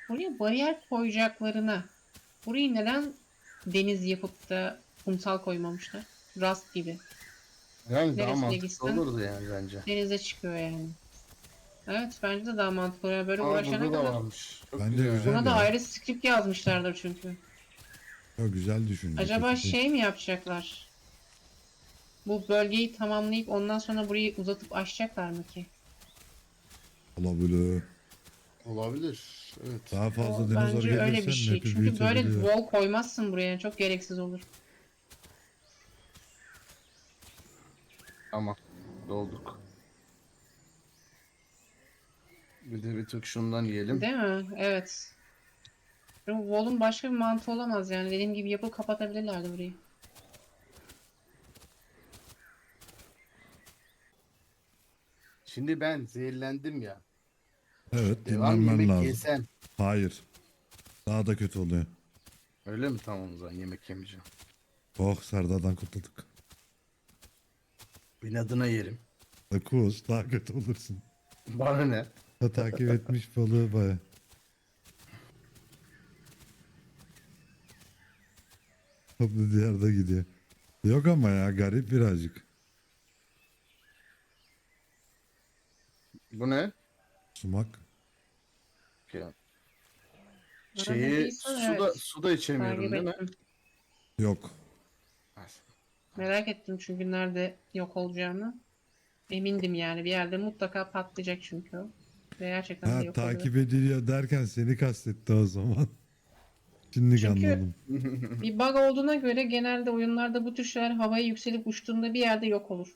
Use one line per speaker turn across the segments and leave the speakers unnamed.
Buraya bariyer koyacaklarına burayı neden deniz yapıp da kumsal koymamışlar? Rast gibi.
Yani daha
Neresine
mantıklı
gitsen
olurdu yani bence.
denize çıkıyor yani. Evet bence de daha mantıklı. Yani böyle
Aa,
uğraşana
burada da
kadar.
varmış. Çok
Bence
güzel.
güzel
Buna da
ya.
ayrı script yazmışlardır çünkü.
Çok güzel düşünce.
Acaba
Kötü değil.
şey mi yapacaklar? Bu bölgeyi tamamlayıp ondan sonra burayı uzatıp açacaklar mı ki?
Olabilir.
Olabilir. Evet.
Daha
O
fazla dinozor
bence öyle bir
gelirse
şey.
map'i
Çünkü böyle
büyütebiliyor.
wall koymazsın buraya. Çok gereksiz olur.
Tamam. Dolduk. Bir de bir tık şundan yiyelim.
Değil mi? Evet. Bu wall'un başka bir mantığı olamaz yani. Dediğim gibi yapıp kapatabilirlerdi burayı.
Şimdi ben zehirlendim ya.
Evet,
Devam
dinlenmen
yemek
lazım.
yesem.
Hayır. Daha da kötü oluyor.
Öyle mi? Tamam o zaman yemek yemeyeceğim.
Oh, Serdar'dan kurtulduk.
İnadına yerim.
Akuz daha kötü olursun.
Bana ne?
Ha, takip etmiş balığı baya. Toplu diyarda gidiyor. Yok ama ya, garip birazcık.
Bu ne?
Sumak.
Ya, şeyi
Aradıysan evet.
suda içemiyorum
Takip
değil mi?
ettim.
Yok.
Merak ettim çünkü nerede yok olacağını. Emindim yani. Bir yerde mutlaka patlayacak çünkü o. Ve gerçekten de
Ha,
yok oluyor.
takip ediliyor derken seni kastetti o zaman. Şimdi
Çünkü
anladım.
bir bug olduğuna göre genelde oyunlarda bu tür şeyler havaya yükselip uçtuğunda bir yerde yok olur.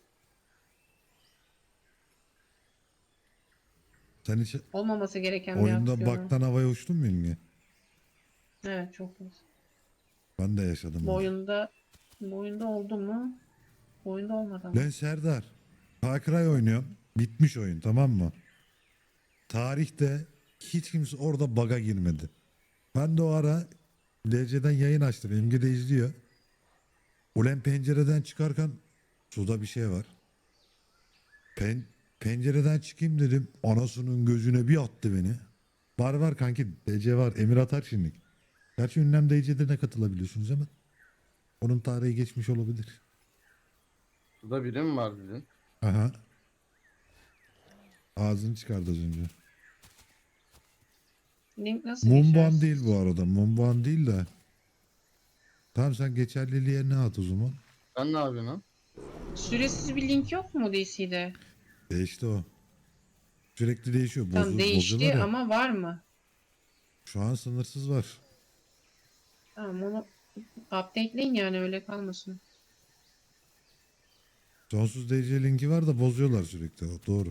Sen hiç
Olmaması gereken bir
oyunda
aksiyon.
baktan havaya uçtun mu İlmi?
Evet çok fazla.
Ben de yaşadım
Bu
onu.
oyunda, bu oyunda oldu mu? Bu oyunda olmadı ama.
Ben Serdar. Far Cry oynuyorum. Bitmiş oyun, tamam mı? Tarihte hiç kimse orada bug'a girmedi. Ben de o ara DC'den yayın açtım. Emge de izliyor. Ulan pencereden çıkarken suda bir şey var. Pencereden çıkayım dedim. Anasının gözüne bir attı beni. Var kanki, DC var. Emir atar şimdi. Gerçi ünlem DC'de ne katılabiliyorsunuz ama onun tarihi geçmiş olabilir.
Suda biri mi var dedin?
Aha. Ağzını çıkardı az önce.
Link nasıl
Mumban değil bu
geçersiz?
arada. Mumban değil de. Tamam, sen geçerliliğe ne at o zaman?
Sen ne yapıyorsun lan?
Süresiz bir link yok mu DC'de?
Değişti o. Sürekli değişiyor.
Tam
Bozuyorlar
değişti
ya.
ama var mı?
Şu an sınırsız var.
Tamam onu updateleyin yani öyle kalmasın.
Sonsuz DC linki var da bozuyorlar sürekli. O doğru.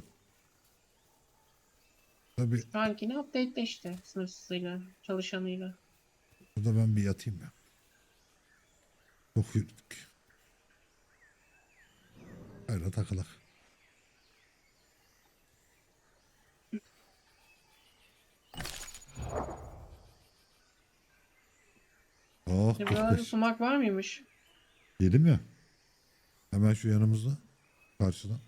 Tabii
Şu ankini updatele işte sınırsızıyla, çalışanıyla.
burada ben bir yatayım ya. Çok yürüdük. Öyle takılak. Oh,
Buralarda
45.
sumak var mıymış?
Yedim ya. Hemen şu yanımızda. Karşıda.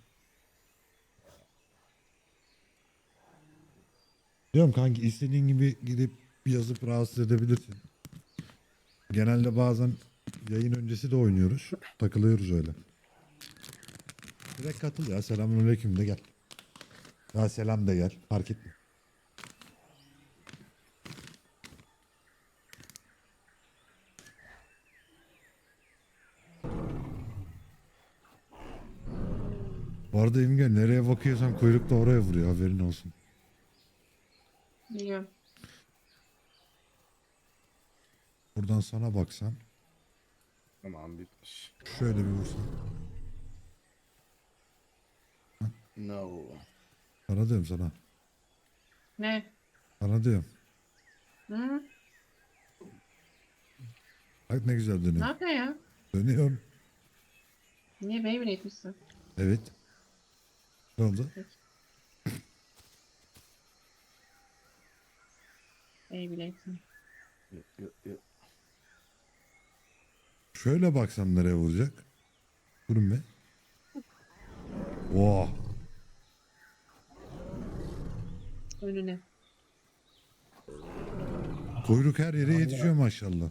Diyorum kanki, istediğin gibi gidip yazıp rahatsız edebilirsin. Genelde bazen yayın öncesi de oynuyoruz. Takılıyoruz öyle. Direkt katıl ya. Selamünaleyküm de gel. Ya selam da gel. Fark etme. Bu arada İmge, nereye bakıyorsan kuyruk da oraya vuruyor. Haberin olsun.
Biliyorum.
Buradan sana baksam.
Tamam bitmiş.
Şöyle bir vursam.
No.
Sana diyorum sana.
Ne?
Sana diyorum.
Hı?
Bak ne güzel
Ne
dönüyorum.
yapıyor ya?
Dönüyorum.
Niye Beyblade etmişsin?
Evet. Ne oldu?
Peki. Beyblade'in.
Şöyle baksam nereye vuracak? Durun be. Oh.
Önüne.
Kuyruk her yere yetişiyor maşallah.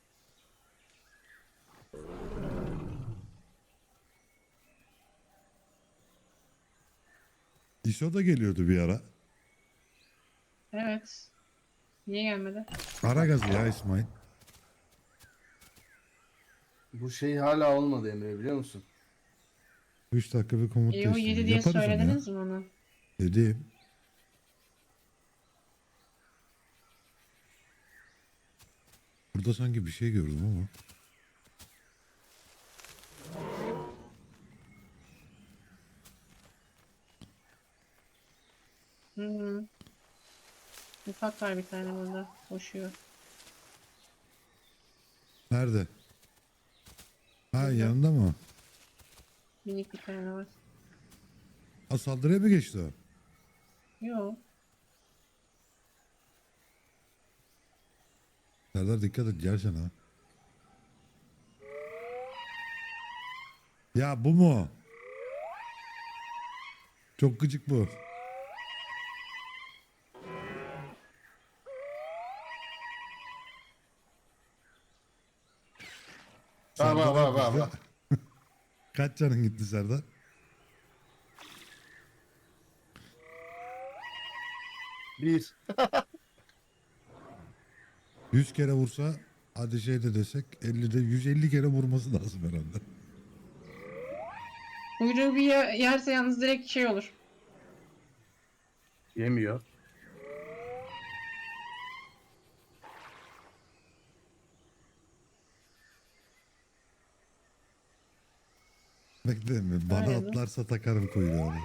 ISO da geliyordu bir ara.
Evet. Niye gelmedi?
Ara gazı ya İsmail.
Bu şey hala olmadı Emre, biliyor musun?
3 dakika bir komut
O 7
değiştirme.
diye
Yaparız onu ya.
söylediniz mi onu?
Dedim. Burada sanki bir şey gördüm ama.
Hı. Ufak var bir tane burada. Koşuyor.
Nerede? Ha
Burada.
yanında mı?
Minik bir tane var.
Ha saldırıya mı geçti o?
Yok.
Serdar dikkat et gelsen ha. Ya bu mu? Çok gıcık bu.
Bak bak bak bak.
gitti.
bak.
Kaç canın gitti Serdar?
Bir.
100 kere vursa hadi şey de desek 50'de 150 kere vurması lazım herhalde.
Kuyruğu bir yerse yalnız direkt şey olur.
Yemiyor.
Bekle mi? Bana
Aynen.
atlarsa takarım kuyruğunu.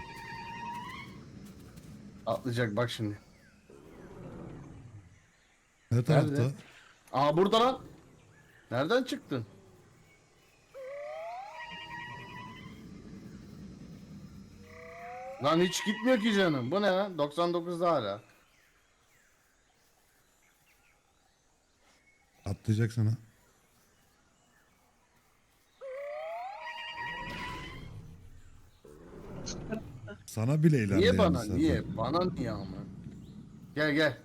Atlayacak bak şimdi.
Ne tarafta?
Nerede? Aa, burada lan. Nereden çıktın? Lan hiç gitmiyor ki canım. Bu ne lan? 99'da hala.
Atlayacak sana. Sana bile ilerleyemez.
Niye bana?
Serdar.
Niye? Bana niye ama? Gel gel.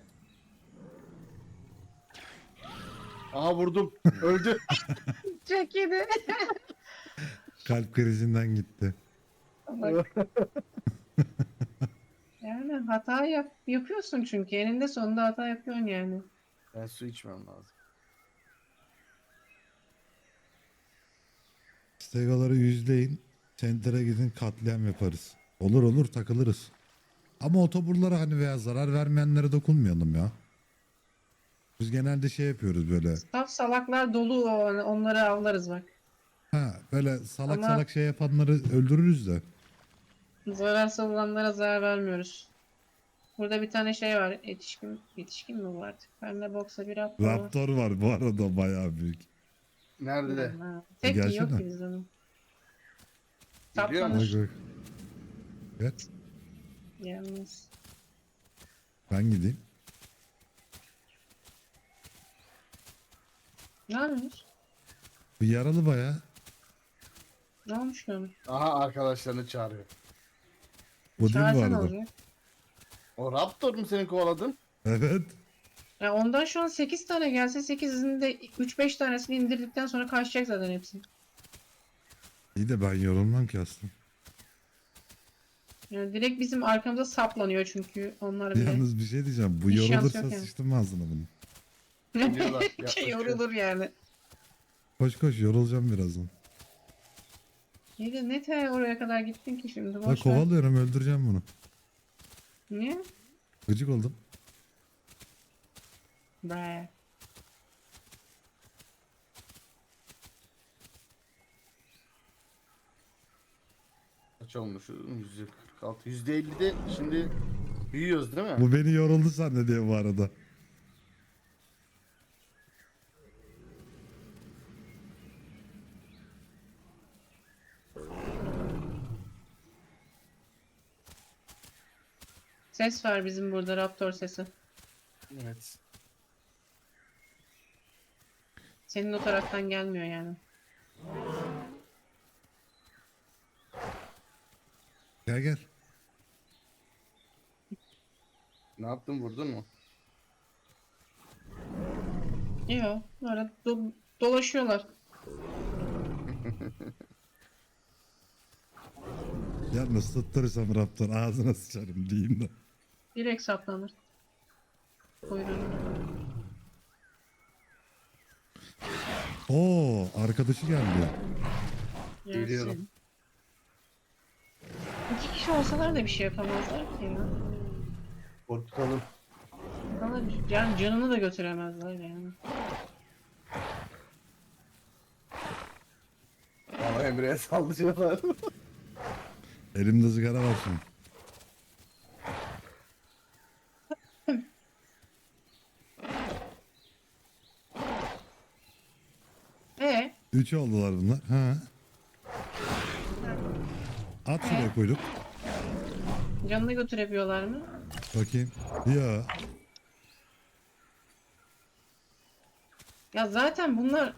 Aha, vurdum. Öldü.
Çok yedi.
Kalp krizinden gitti.
Bak. Yani hata yapıyorsun çünkü. Eninde sonunda hata yapıyorsun yani.
Ben su içmem lazım.
Stegoları yüzleyin. Center'a gidin katliam yaparız. Olur olur takılırız. Ama otoburlara hani veya zarar vermeyenlere dokunmayalım ya. Biz genelde şey yapıyoruz böyle.
Saf salaklar dolu onları avlarız bak.
Ha böyle salak
Ama-
salak şey yapanları öldürürüz de.
Zararsız olanlara zarar vermiyoruz. Burada bir tane şey var. Yetişkin mi bu artık? Bende boksa bir raptor var.
Raptor var bu arada bayağı büyük.
Nerede?
Ha, tek
Gelsene.
yok ki bizde onun.
Geliyor mu?
Bak
Saplanır.
bak. Evet
Yalnız.
ben gideyim.
Ne yapıyorsunuz?
Bu yaralı bayağı.
Ne olmuş ki ona?
Aha, arkadaşlarını çağırıyor.
Bu değil mi bu
Çağırsan
arada?
olacak.
O Raptor mu seni kovaladın?
Evet.
Ya ondan şu an 8 tane gelse 8'inin de 3-5 tanesini indirdikten sonra kaçacak zaten hepsi.
İyi de ben yorulmam ki aslında.
Yani direkt bizim arkamıza saplanıyor çünkü onlar bile.
Yalnız bir şey diyeceğim. Bu
Bir şans
yorulursa
yok yani.
sıçtım ağzına bunu.
Geliyorlar,
Ki
yaklaşıyor.
yorulur yani.
Koş koş yorulacağım birazdan.
İyi de ne te oraya kadar gittin ki şimdi
Ben
boş ver.
kovalıyorum öldüreceğim bunu.
Niye?
Gıcık oldum.
Bre.
Kaç olmuş? %46. %50'de şimdi büyüyoruz değil mi?
Bu beni yoruldu zannediyor bu arada.
Ses var bizim burada raptor sesi.
Evet.
Senin o taraftan gelmiyor yani.
Gel gel.
Ne yaptın, vurdun mu?
Yok. Böyle dolaşıyorlar.
Yalnız tutturursam Raptor ağzına sıçarım diyeyim de.
Direkt saplanır. Kuyruğunu.
Oo, arkadaşı geldi.
Geliyorum.
Yersin. 2 kişi olsalar da bir şey yapamazlar ki ya.
Korkutalım.
Ama yani canını da götüremezler yani.
Ama Emre'ye saldırıyorlar.
Elimde sigara var şimdi.
E
3 oldular bunlar. Ha. At şuraya koyduk.
canını götürebiliyorlar mı?
Bakayım. Ya.
Ya zaten bunlar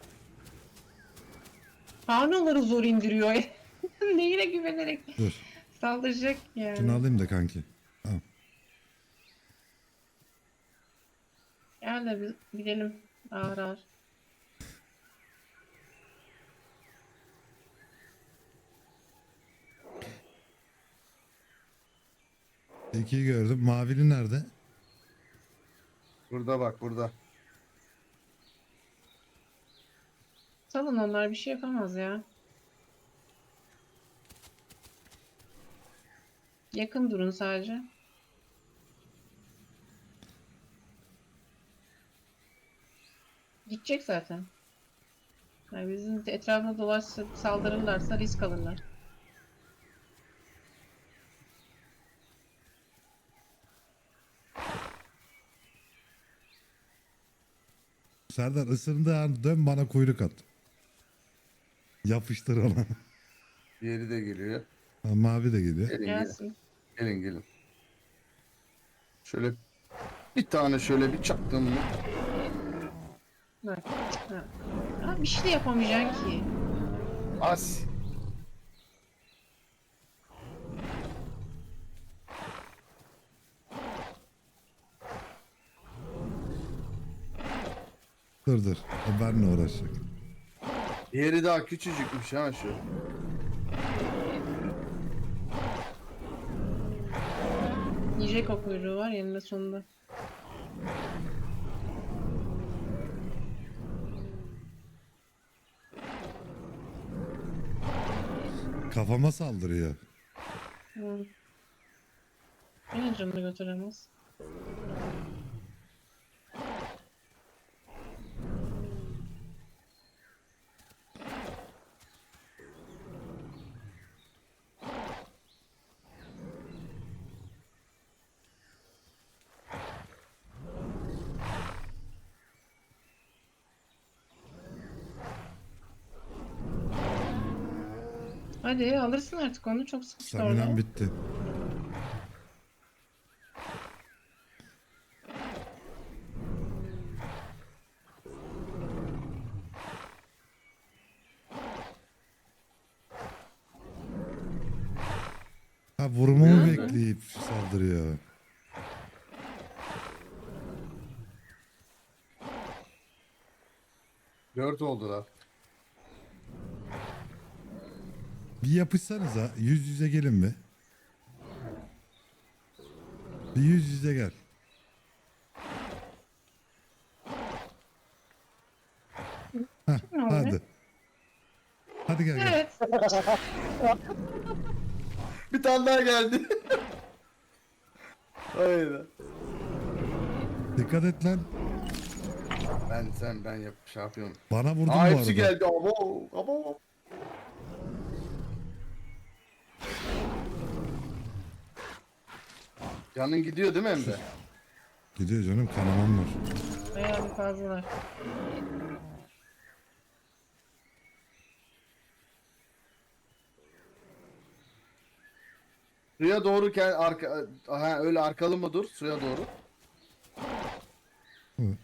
Panoları zor indiriyor. Neyine güvenerek
Dur.
saldıracak yani.
Şunu alayım da kanki. Tamam.
Gel de bir gidelim ağır ağır.
İkiyi gördüm. Mavili nerede?
Burada bak burada.
Salın, onlar bir şey yapamaz ya. Yakın durun sadece. Gidecek zaten. Yani bizim etrafında dolaşsa saldırırlarsa risk alırlar.
Serdar ısırdığı an dön bana kuyruk at. Yapıştır ona.
Diğeri de geliyor.
Ha, mavi de geliyor.
Gelin gelin.
Gelsin.
Gelin gelin. Şöyle bir tane şöyle bir çaktım mı?
Bak. Ha. Ha, bir şey de yapamayacaksın ki.
As.
Dur dur. O benimle uğraşacak.
Diğeri daha küçücükmüş ha şu.
Yiyecek o kuyruğu var yanında sonunda.
Kafama saldırıyor.
Hı. Yine canını götüremez. Hadi alırsın artık onu, çok sıkıştı orada.
Staminem bitti. Ha vurmamı
Nerede?
bekleyip saldırıyor.
Dört oldular.
Bir yapışsanıza yüz yüze gelin mi? Bir yüz yüze gel. Heh,
Ne oldu?
hadi. Hadi gel gel.
Evet.
Bir tane daha geldi. Hayır.
Dikkat et lan.
Ben şey yapıyorum.
Bana vurdun bu
Aa
arada.
hepsi geldi. Abo. Abo. Canın gidiyor değil mi Emre?
Gidiyor canım, kanamam var.
Bayağı bir fazlalar.
Suya doğru öyle arkalı mı dur suya doğru.
Hı.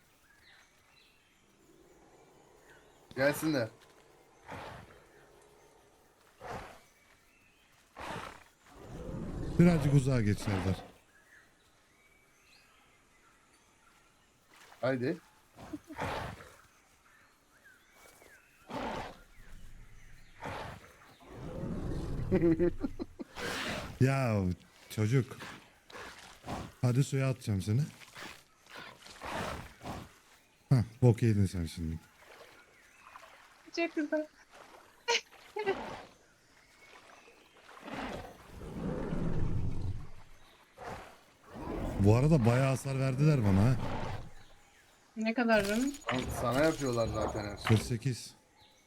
Gelsinler.
Birazcık uzağa geç Serdar.
Haydi.
Ya çocuk. Hadi suya atacağım seni. Hah, bok yedin sen şimdi.
Çok güzel.
Bu arada bayağı hasar verdiler bana ha.
Ne kadar canım?
Sana yapıyorlar zaten her şeyi.
48.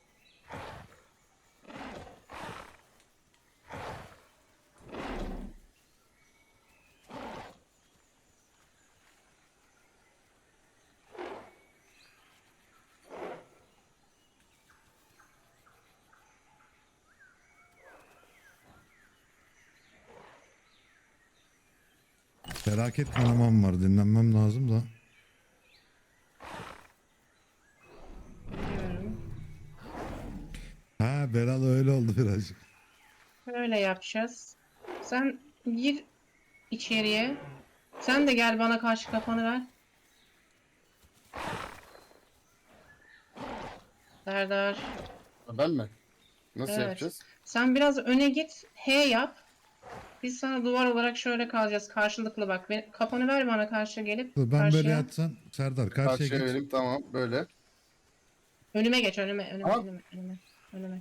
Felaket kanamam var. Dinlenmem lazım da.
Biliyorum.
Ha, Beral öyle oldu birazcık.
Böyle yapacağız. Sen gir içeriye. Sen de gel bana karşı kafanı ver. Serdar.
Ben mi? Nasıl
Evet.
yapacağız?
Sen biraz öne git. H yap. Biz sana duvar olarak şöyle kalacağız. Karşılıklı bak. Kafanı ver bana karşı gelip.
Dur, ben böyle
Karşıya.
yatsam Serdar karşıya
Karşıya
geç.
vereyim, tamam böyle.
Önüme geç. Önüme.
Tamam.
Önüme.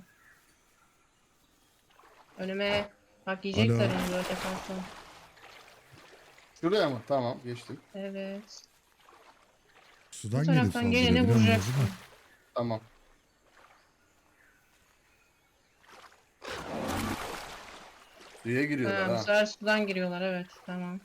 Önüme. Bak
Alo.
yiyecekler onu böyle yaparsan.
Şuraya mı? Tamam, geçtim.
Evet.
Sudan
Bu
gelip
taraftan
saldırıyor
gelene
biliyor musun
vuracaksın.
değil mi?
Tamam. Suya giriyorlar
Ha, bu
ha.
sefer sudan giriyorlar. Evet. Tamam.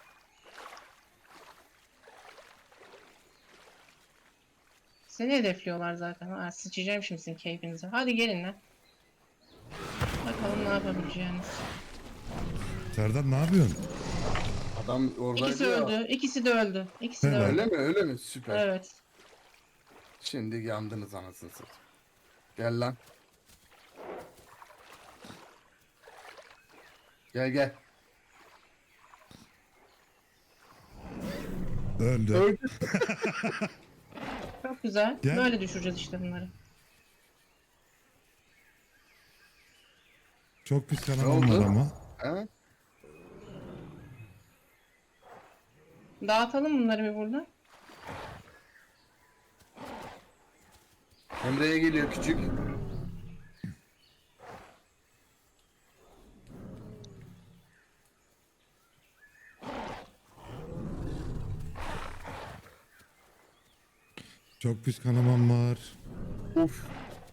Seni hedefliyorlar zaten. Ha, sıçacağım şimdi sizin keyfinize. Hadi gelin lan. Bakalım ne yapabileceğiniz.
Serdar ne yapıyorsun?
Adam oradaydı
İkisi
ya.
öldü. İkisi de öldü. İkisi de
Helal.
öldü.
Öyle mi? Öyle mi? Süper.
Evet.
Şimdi yandınız anasını satayım. Gel lan. Gel gel.
Öldü.
Öldü.
Çok güzel.
Gel.
Böyle düşüreceğiz işte bunları.
Çok pis
Ne
kanamam var
oldu?
ama.
Ha?
Dağıtalım bunları bir burada.
Emre'ye geliyor küçük.
Çok pis kanamam var.
Uf.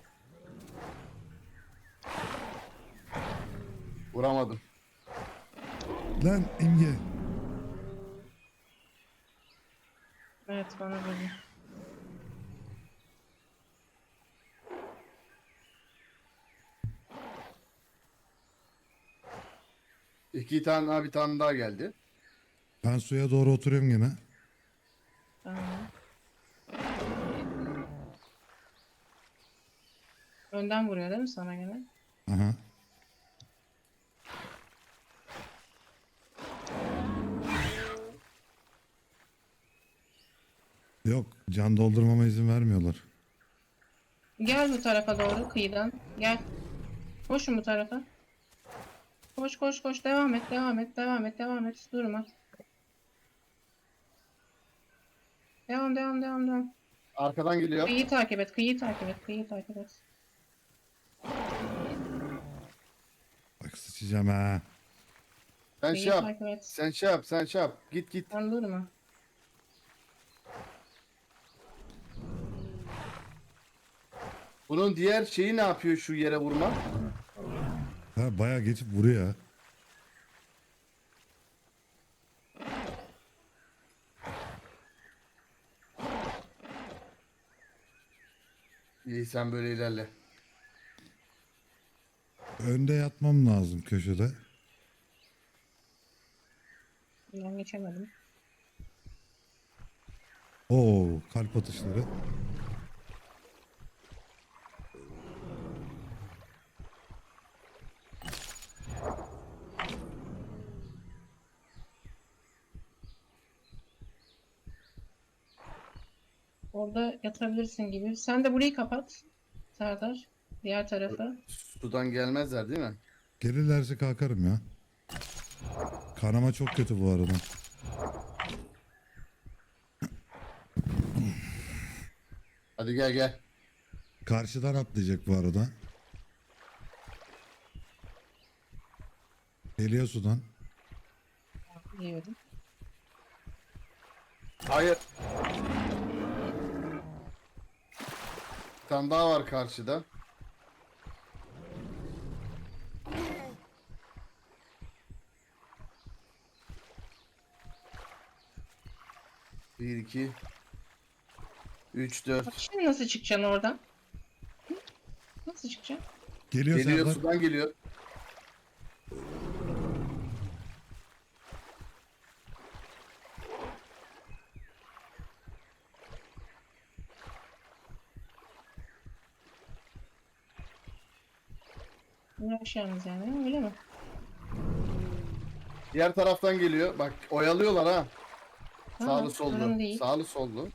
Vuramadım.
Lan İmge.
Evet bana böyle.
İki tane daha, bir tane daha geldi.
Ben suya doğru oturuyorum gene.
Tamam. Önden vuruyor değil mi sana gene?
Aha. Yok, can doldurmama izin vermiyorlar.
Gel bu tarafa doğru kıyıdan. Gel. Koşun bu tarafa. Koş koş koş. Devam et devam et devam et devam et. Durma. Devam devam devam devam.
Arkadan geliyor.
Kıyıyı takip et. Kıyıyı takip et. Kıyıyı takip et.
Bak sıçacağım ha.
Sen
Kıyıyı
şey yap.
takip et.
Sen şey yap. Sen şey yap. Git git.
Sen durma.
Bunun diğer şeyi ne yapıyor şu yere vurma?
Ha, bayağı geçip vuruyor ha.
İyi, sen böyle ilerle.
Önde yatmam lazım köşede.
Ben geçemedim.
Oo, kalp atışları.
Orada yatabilirsin gibi. Sen de burayı kapat. Serdar. Diğer tarafı.
Sudan gelmezler değil mi?
Gelirlerse kalkarım ya. Kanama çok kötü bu arada.
Hadi gel gel.
Karşıdan atlayacak bu arada. Geliyor sudan.
Diyorum.
Hayır. Bir tane daha var karşıda. Bir, iki, üç, dört.
Şimdi nasıl çıkacaksın oradan? Hı? Nasıl çıkacaksın?
Geliyor,
Geliyor,
Serdar.
sudan geliyor.
Uğraşacağımız yani öyle mi?
Diğer taraftan geliyor. Bak oyalıyorlar ha.
Tamam,
Sağlı
sorun
sollu.
değil.
Sağlı sollu.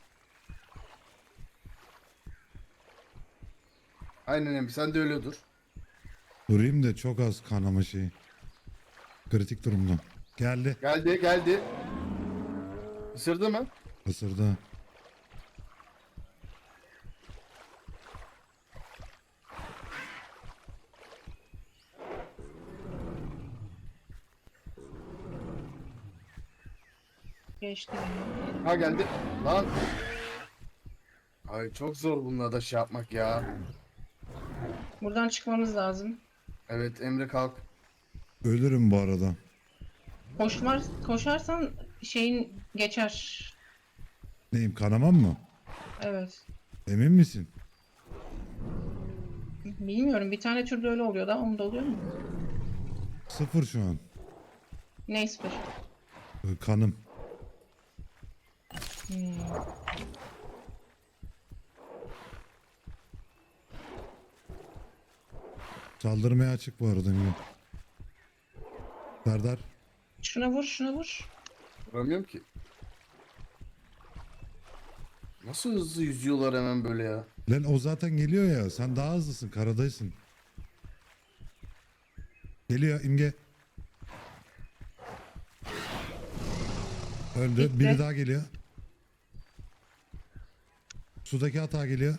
Aynen Emre, sen de öyle dur.
Durayım da çok az kanama şeyi. Kritik durumda. Geldi.
Geldi geldi. Isırdı mı?
Isırdı.
Geçti.
Ha geldi. Lan. Ay çok zor bununla da şey yapmak ya.
Buradan çıkmamız lazım.
Evet Emre kalk.
Ölürüm bu arada.
Koşarsan şeyin geçer.
Neyim, kanamam mı?
Evet.
Emin misin?
Bilmiyorum. Bir tane türde öyle oluyor da onda oluyor mu?
0 şu an.
Ne sıfır?
Kanım.
Hmm.
Saldırmaya açık bu arada. Emre. Serdar.
Şuna vur, şuna vur.
Vuramıyorum ki. Nasıl hızlı yüzüyorlar hemen böyle ya.
Lan o zaten geliyor ya. Sen daha hızlısın. Karadaysın. Geliyor İmge. Öldü.
Bitti.
Biri daha geliyor. Sudaki hata geliyor.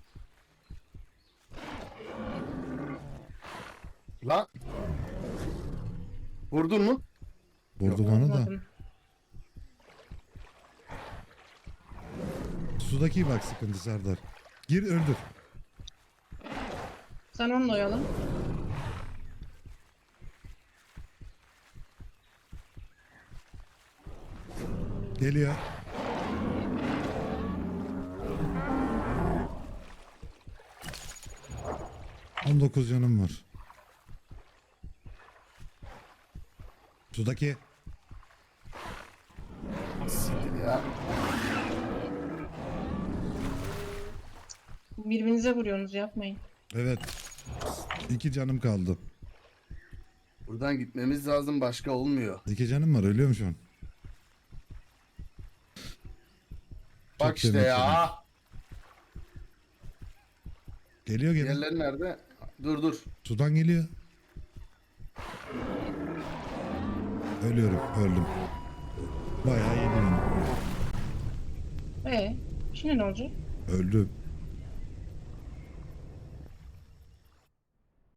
Lan. Vurdun mu?
Vurdu bana da.
Anladım.
Sudaki bak sıkıntı Serdar. Gir öldür.
Sen onunla oyalan.
Geliyor. ...19 canım var. Sudaki.
Siktir ya.
Birbirinize vuruyorsunuz, yapmayın.
Evet. 2 canım kaldı.
Buradan gitmemiz lazım, başka olmuyor.
2 canım var, ölüyorum şu an.
Bak
Çok
işte
demek
ya.
Geliyor gene.
Diğerleri nerede? Dur dur.
Sudan geliyor. Ölüyorum, öldüm. Bayağı yedim.
Şimdi ne olacak?
Öldüm.